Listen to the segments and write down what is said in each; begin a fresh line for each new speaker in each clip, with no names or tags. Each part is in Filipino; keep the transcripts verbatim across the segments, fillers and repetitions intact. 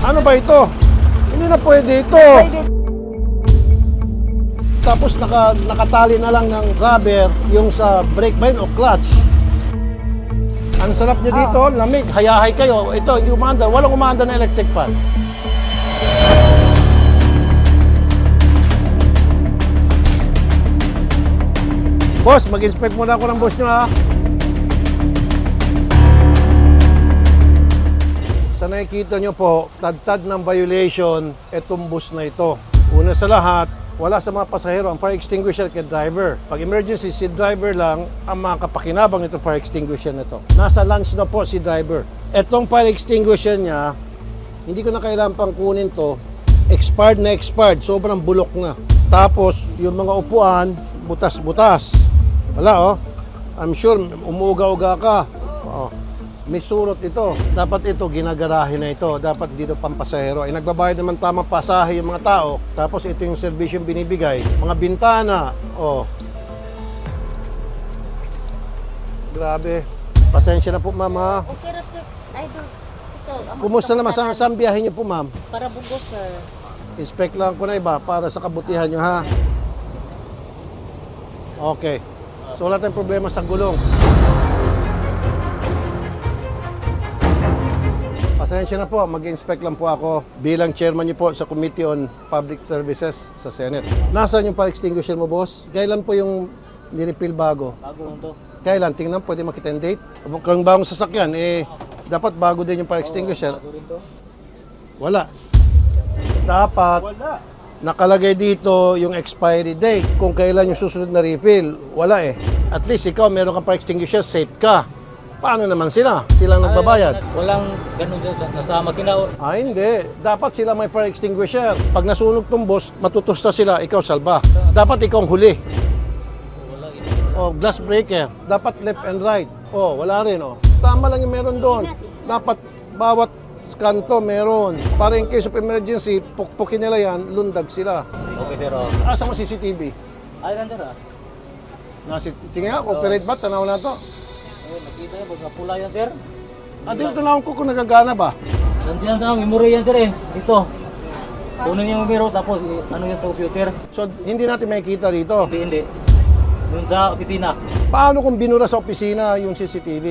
Ano ba ito? Hindi na pwede ito.
Pwede.
Tapos naka, nakatali na lang ng rubber yung sa brake line o clutch. Ang sarap niya dito, lamig, hayahay kayo. Ito, hindi umaandar. Walang umaandar na electric fan. Boss, mag-inspect muna ako ng boss nyo, ha? Sa nakikita nyo po, tagtag ng violation, itong bus na ito. Una sa lahat, wala sa mga pasahero ang fire extinguisher kay driver. Pag emergency, si driver lang ang makapakinabang itong fire extinguisher na ito. Nasa lunch na po si driver. Itong fire extinguisher niya, hindi ko na kailangan pang kunin to. Expired na expired, sobrang bulok na. Tapos, yung mga upuan, butas-butas. Wala, oh. I'm sure, umuuga-uga ka. Oh. May surot ito. Dapat ito, ginagarahe na ito. Dapat dito pampasahero. Ay nagbabayad naman tamang pasahe yung mga tao. Tapos ito yung servisyo binibigay. Mga bintana. Oh. Grabe. Pasensya na po, ma'am, ha?
Okay na, sir. Idol. Ito. ang
Kumusta naman? Saan,
magkakapatan.
saan biyahe niyo po, ma'am?
Para bugos, sir.
Inspect lang ko na iba para sa kabutihan nyo, ha? Okay. So, wala tayong problema sa gulong. Pasensya na po, mag-inspect lang po ako bilang chairman niyo po sa Committee on Public Services sa Senate. Nasaan yung fire extinguisher mo, boss? Kailan po yung nirefill bago?
Bago lang to.
Kailan? Tingnan, pwede makita yung date? Kung bagong sasakyan, eh, dapat bago din yung fire extinguisher.
Bago rin to.
Wala. Dapat nakalagay dito yung expiry date. Kung kailan yung susunod na refill, wala eh. At least ikaw, meron kang fire extinguisher, safe ka. Paano naman sila? Silang nagbabayad.
Ay, walang ganun dyan. Nasa makina.
Ah, hindi. Dapat sila may fire extinguisher. Pag nasunog tong boss, matutusta sila, ikaw salba. Dapat ikaw ang huli.
Wala isa.
Oh, glass breaker. Dapat left and right. Oh, wala rin, oh. Tama lang yung meron doon. Dapat bawat kanto meron. Para in case of emergency, pukpukin nila yan, lundag sila.
Okay, sir. Oh.
Asa mo C C T V?
Ay, nandiyan ah.
Nasi, tingin nga, operate ba? Tanaw na to.
Ayun, nakita niyo. Pag napula yan, sir.
Ah, dito tanawin ko kung nagagana ba?
Nandiyan sa memory yan, sir eh. Dito. Kunin niyo yung numero, tapos eh, ano yan sa computer.
So, hindi natin makikita dito.
Hindi, hindi. Doon sa opisina.
Paano kung binura sa opisina yung C C T V?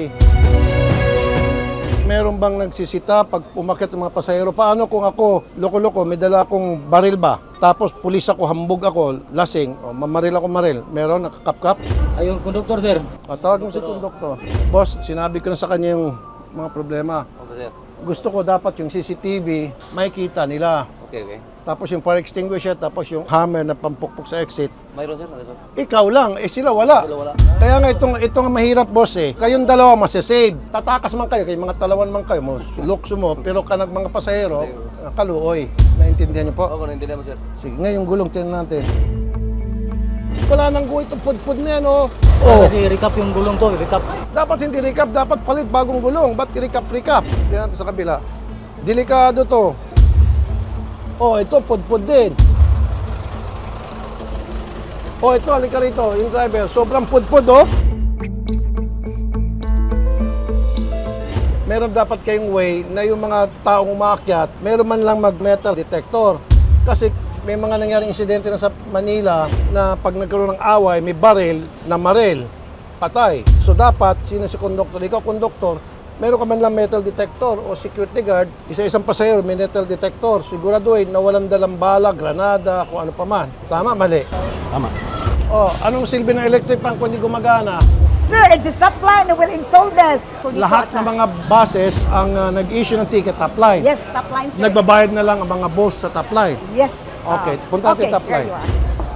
Meron bang nagsisita pag umakyat ng mga pasahero? Paano kung ako, loko-loko, may dala akong baril ba? Tapos pulis ako, hambog ako, lasing, o mamaril ako maril. Meron, nakakap-kap?
Ayun, conductor, sir.
O, tawag mo si konduktor. Boss, sinabi ko na sa kanya yung mga problema.
Okay, sir.
Gusto ko dapat yung C C T V, makikita nila.
Okay, okay.
Tapos yung fire extinguisher, tapos yung hammer na pampukpok sa exit.
Mayroon, sir. Mayroon.
Ikaw lang, eh sila wala.
Sila wala.
Kaya nga itong, itong mahirap, boss eh. Kayong dalawa masasave. Tatakas man kayo, kay mga talawan man kayo, mo, lukso mo, pero kanag mga pasahero, kaluoy. Naintindihan niyo po?
Oo, hindi naman, sir.
Sige, ngayong gulong, tingnan natin. Wala nang guhit itong pudpud na yan, oh.
Oh.
Oh,
Kasi recap yung gulong to, recap.
dapat hindi recap, dapat palit bagong gulong. Ba't recap-recap? Tingnan natin sa kabila. Delikado to. Oh, ito, pudpud din. Oh, ito, halika rito, yung driver. Sobrang pudpud, oh. Meron dapat kayong way na yung mga taong umakyat, meron man lang mag-metal detector. Kasi may mga nangyaring insidente na sa Manila na pag nagkaroon ng away, may baril na maril, patay. So dapat, sino si konduktor? Ikaw, konduktor, meron ka man lang metal detector o security guard, isa-isang pasahero may metal detector. Siguraduhin na walang dalang bala, granada, kung ano pa man. Tama, mali?
Tama.
Oh, anong silbi ng electric fan kung hindi gumagana?
Sir, it's a stop line. We'll install this.
Lahat ng mga buses ang uh, nag-issue ng ticket top line.
Yes, stop line, sir.
Nagbabayad na lang ang mga boss sa top line.
Yes.
Okay,
Ah,
punta natin
okay,
top
here
line.
you are.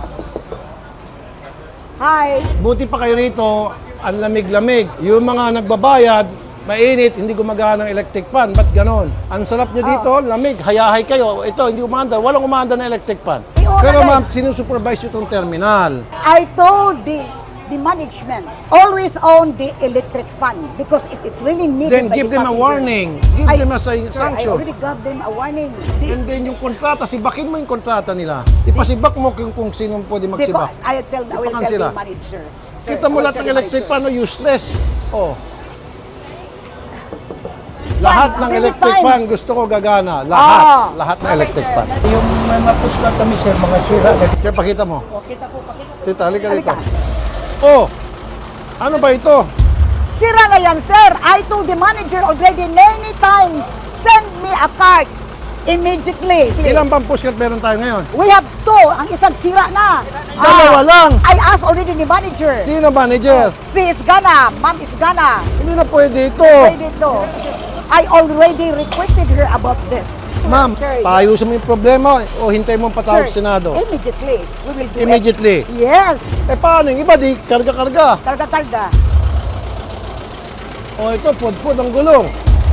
Hi.
Buti pa kayo rito, ang lamig-lamig. Yung mga nagbabayad, mainit, hindi gumagana ng electric fan. Ba't ganon? Ang sarap nyo dito, lamig, hayahay kayo. Ito, hindi umaandar. Walang umaandar na electric fan.
Eh, oo,
Pero
nagay.
ma'am, sinusupervise nyo itong terminal.
I told the the management always own the electric fan because it is really needed
Then
by
give
the
them a
passengers.
warning. Give
I-
them a
Sir, I
sanction.
already gave them a warning. The,
And then yung kontrata, sibakin mo yung kontrata nila. Ipasibak mo kung, kung sino pwede
the,
magsibak.
I tell I will
Ipakan
tell
sila.
the manager. Sir,
Kita mo
I will
lahat
tell
ng
the
electric
manager.
fan, no, useless. Oh.
fan,
Lahat ng
many
electric
times.
fan gusto ko gagana. Lahat.
Ah.
Lahat ng electric fan.
Yung mga pushcart kami sir, mga sira.
Kaya pakita mo.
O, kita ko, pakita ko.
Tita, halika dito.
Halika.
Oh, ano ba ito?
Sira na yan, sir. I told the manager already many times, send me a card immediately.
Ilang bang pushcart meron tayo ngayon?
We have two. Ang isang sira na.
Dalawa
Ah,
lang.
I asked already the manager.
Sino manager?
Si Isgana, Ma'am Isgana.
Hindi na pwede ito.
Pwede to. I already requested her about this.
Ma'am,
Sir,
paayusin mo yung problema o hintay mo patawag
sir,
sa Senado?
immediately. We will do
Immediately.
it. Yes.
Eh paano yung iba di karga-karga?
Karga-karga.
O ito, pudpud ang gulong.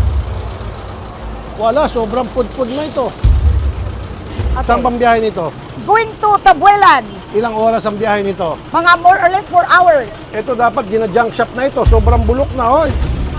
Wala, sobrang pudpud na ito.
Okay.
Saan bang biyahe nito?
Going to Tabuelan.
Ilang oras ang biyahe nito?
Mga more or less four hours.
Ito dapat gina-junk shop na ito. Sobrang bulok na, hoy.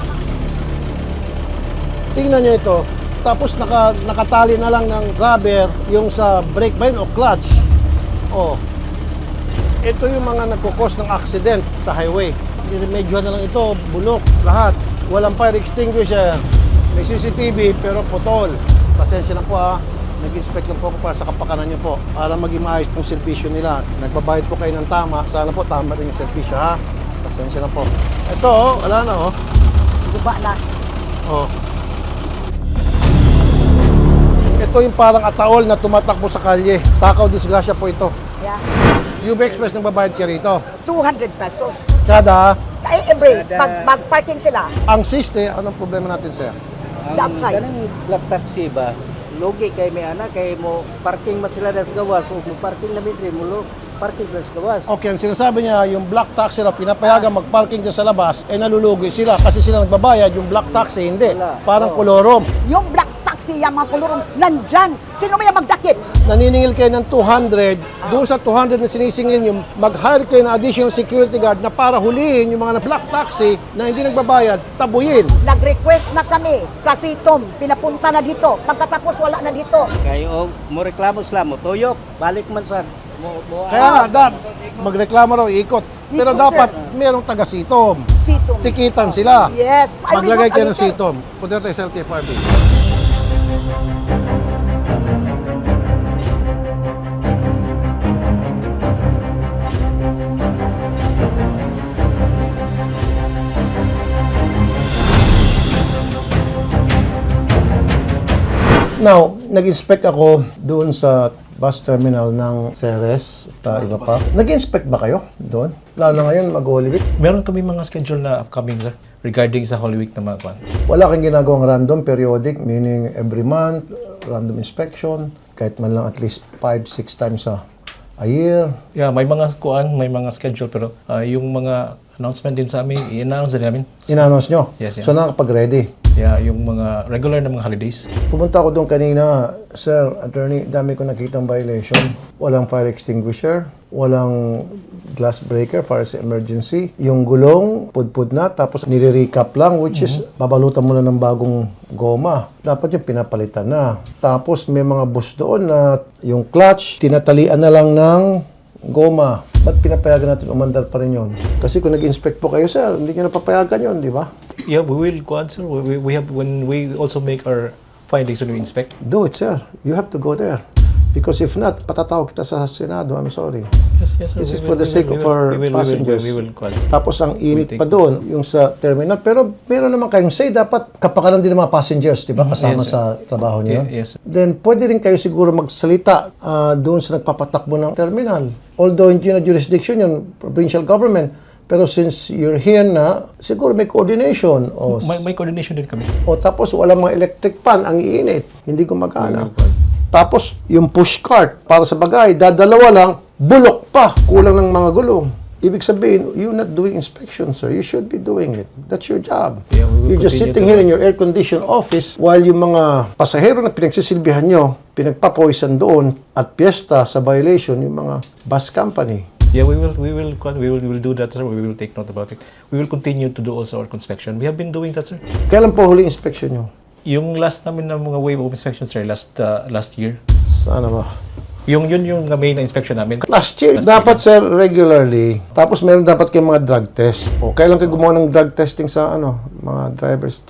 Tingnan nyo ito. Tapos naka, nakatali na lang ng rubber yung sa brake ba yun o clutch. Oh. Ito yung mga nagkukos ng accident sa highway. Medyo na lang ito, bulok, lahat. Walang fire extinguisher. May C C T V pero putol. Pasensya na po ha. Nag-inspect lang po ako para sa kapakanan niyo po. Para maging maayos pong servisyo nila. Nagbabayad po kayo ng tama. Sana po tama din yung servisyo ha. Pasensya na po. Ito oh, wala na oh.
Guba na.
Oh. Ito yung parang ataol na tumatakbo sa kalye. Takaw disgrasya po ito.
Yeah.
U B Express nang babayad ka rito.
two hundred pesos.
Kada,
Ay, every, pag mag-parking sila,
ang siste, anong problema natin sir?
the upside.
Kanang black taxi ba? Logi kay may anak kay mo parking man sila das gawas o mo parking na mitri mo lo parking das gawas.
Okay, ang sinasabi niya, yung black taxi na pinapayagan magparking dyan sa labas, eh nalulugi sila kasi sila nagbabayad, yung black taxi hindi.
Wala.
Parang
Oh.
kolorom.
Yung black taxi, yung mga kulurong, nandyan. Sino may magdakip?
Naniningil kayo ng two hundred, doon sa two hundred na sinisingil nyo, mag-hire kayo ng additional security guard na para hulihin yung mga na black taxi na hindi nagbabayad, tabuyin.
Nag-request na kami sa Sitom, pinapunta na dito. Pagkatapos wala na dito.
Kay og mo reklamo sila mo tuyok balik man sad mo mo
Kaya nga, dap, magreklamo raw, ikot. Pero
Ikot,
dapat
sir.
merong taga-sitom.
Sitom.
Tikitan sila.
Yes. I will
Maglagay
not
kayo ng
allocate.
sitom. Punta tayo sa L T F R B. Now, nag-inspect ako doon sa bus terminal ng Ceres at uh, iba pa. Nag-inspect ba kayo doon? Lalo ngayon, mag-Holy Week.
Meron kami mga schedule na upcoming, sir, regarding sa Holy Week na mga kwan.
Wala kang ginagawang random, periodic, meaning every month, random inspection, kahit man lang at least five, six times a, a year.
Yeah, may mga kuan, may mga schedule, pero ah, yung mga announcement din sa amin, i-announce din namin.
In-announce nyo.
Yes, yeah.
So, nakakapag-ready.
Yeah, yung mga regular na mga holidays.
Pumunta ako doon kanina, Sir, Attorney, dami ko nakitang violation. Walang fire extinguisher, walang glass breaker para sa emergency. Yung gulong, pudpud na, tapos nire-recap lang, which is babalutan mo na ng bagong goma. Dapat yung pinapalitan na. Tapos may mga bus doon na yung clutch, tinatalian na lang ng goma. Ba't pinapayagan natin umandar pa rin yun? Kasi kung nag-inspect po kayo, sir, hindi nyo napapayagan yun, di ba?
Yeah, we will kuan, sir. We, we, we have, when we also make our findings when we inspect.
Do it, sir. You have to go there. Because if not, patatawag kita sa Senado. I'm sorry.
Yes, yes, sir.
This
We
is
will-
for the
we
sake
will-
of
we will-
our
we will- we will-
passengers.
We will, kuan.
Tapos ang init
take-
pa doon, yung sa terminal. Pero meron naman kayong say, dapat kapakanan din ng mga passengers, di ba? Kasama
Yes, sir.
sa trabaho niyo.
Yeah, yes, sir.
Then pwede rin kayo siguro magsalita ah, doon sa nagpapatakbo ng terminal. Although hindi na jurisdiction yun, provincial government. Pero since you're here na, siguro may coordination. O,
May, may coordination din kami.
o tapos walang mga electric fan, ang iinit, hindi gumagana.
Wala pa.
Tapos yung push cart, para sa bagay, dadalawa lang, bulok pa, kulang ng mga gulong. Ibig sabihin, you're not doing inspection, sir. You should be doing it. That's your job.
Yeah, we will
You're just
continue
sitting
to-
here in your air-conditioned office while yung mga pasahero na pinagsisilbihan nyo, pinagpapoisan doon at piyesta sa violation yung mga bus company.
Yeah, we will, we will, kuan, we will, we will do that, sir. We will take note about it. We will continue to do also our inspection. We have been doing that, sir.
Kailan po huli inspection nyo?
Yung last namin na mga wave of inspection, sir, last uh, last year.
Sana ba?
Yung yun yung main na inspection namin.
Last year,
Last
dapat sir, regularly. Tapos meron dapat kayong mga drug test. O, kailan kayo gumawa ng drug testing sa ano, mga drivers dyan?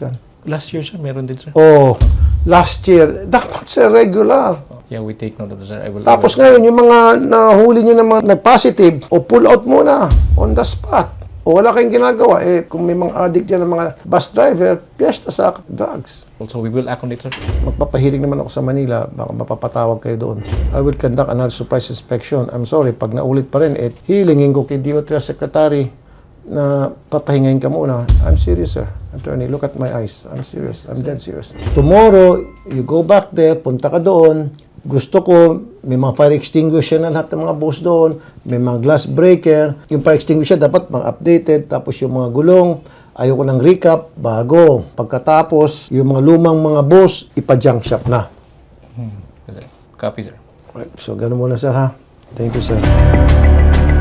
last year, sir, meron din, sir.
Oh, last year. Dapat, sir, regular.
Yeah, we take note of that, sir. I will,
Tapos
I will,
ngayon, yung mga nahuli nyo na mga nag-positive, o pull out muna on the spot. O wala kayong ginagawa. Eh, kung may mga addict dyan ng mga bus driver, piyesta sa drugs.
also, we will act on it, sir.
Magpapahilig naman ako sa Manila, baka mapapatawag kayo doon. I will conduct another surprise inspection. I'm sorry, pag naulit pa rin, eh, hilingin ko kay D O T R Secretary na papahingayin ka muna. I'm serious, sir. Attorney, look at my eyes. I'm serious. I'm dead serious. Tomorrow, you go back there, punta ka doon. Gusto ko, may mga fire extinguisher na lahat ng mga bus doon, may mga glass breaker. Yung fire extinguisher dapat mga updated, tapos yung mga gulong, ayoko ng recap, bago. Pagkatapos, yung mga lumang mga bus, ipa-junk shop na.
Yes, sir. Copy, sir.
Right, so, ganun muna, sir, ha? Thank you, sir.